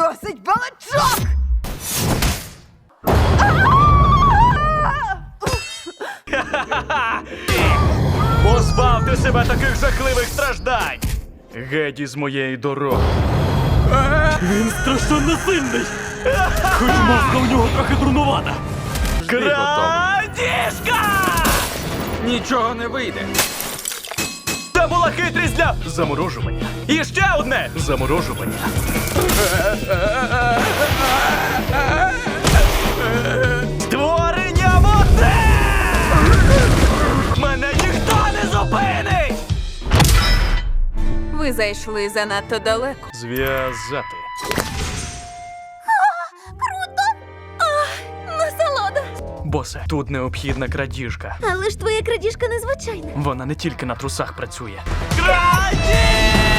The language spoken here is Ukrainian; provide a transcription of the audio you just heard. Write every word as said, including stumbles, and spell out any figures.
Досить балачок! Позбавте себе таких жахливих страждань! Геть із моєї дороги. Він страшенно сильний! Хоч маска у нього трохи дурнувата. Крадіжка! Нічого не вийде. Це була хитрість для заморожування. І ще одне заморожування. Створення води! Мене ніхто не зупинить! Ви зайшли занадто далеко. Зв'язати. Насолода! Босе, тут необхідна крадіжка. Але ж твоя крадіжка незвичайна. Вона не тільки на трусах працює. Крадіжка!